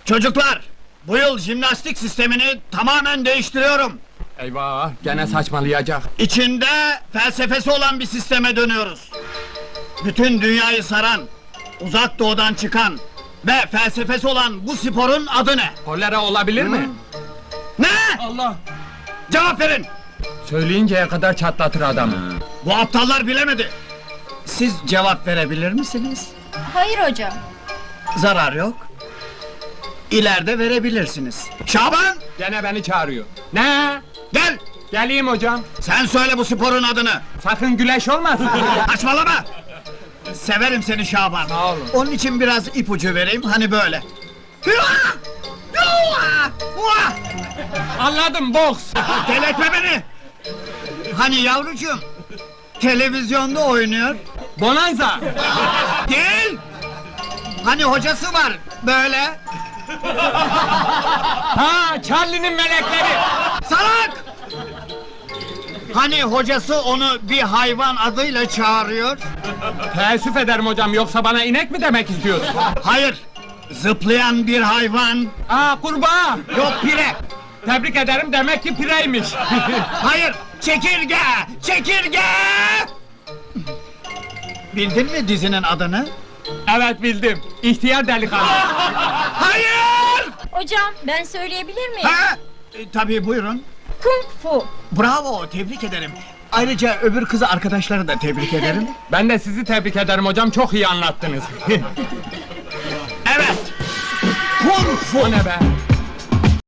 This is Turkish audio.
Çocuklar, bu yıl jimnastik sistemini tamamen değiştiriyorum. Eyvah, gene saçmalayacak. İçinde felsefesi olan bir sisteme dönüyoruz. Bütün dünyayı saran, uzak doğudan çıkan ve felsefesi olan bu sporun adı ne? Kolera olabilir mi? Ne? Allah! Cevap verin! Söyleyinceye kadar çatlatır adamı. Bu aptallar bilemedi. Siz cevap verebilir misiniz? Hayır hocam. Zarar yok. İleride verebilirsiniz. Şaban! Gene beni çağırıyor. Ne? Gel! Geleyim hocam. Sen söyle bu sporun adını! Sakın güleş olmasın. Saçmalama! Severim seni Şaban. Sağ olun. Onun için biraz ipucu vereyim, hani böyle. Hüa! Hüa! Hua! Anladım, boks. Delirtme beni! Hani yavrucuğum, televizyonda oynuyor. Bonanza. Değil! Hani hocası var, böyle. Ha, Charlie'nin melekleri. Salak! Hani hocası onu bir hayvan adıyla çağırıyor. Teessüf ederim hocam, yoksa bana inek mi demek istiyorsun? Hayır, zıplayan bir hayvan. Aa, kurbağa. Yok pire. Tebrik ederim, demek ki pireymiş. Hayır, çekirge! Çekirge! Bildin mi dizinin adını? Evet, bildim. İhtiyar delikanlı. Hayır! Hocam ben söyleyebilir miyim? Ha? Tabii buyurun. Kung fu. Bravo, tebrik ederim. Ayrıca öbür kızı arkadaşları da tebrik ederim. Ben de sizi tebrik ederim hocam, çok iyi anlattınız. Evet! Kung fu! O ne be?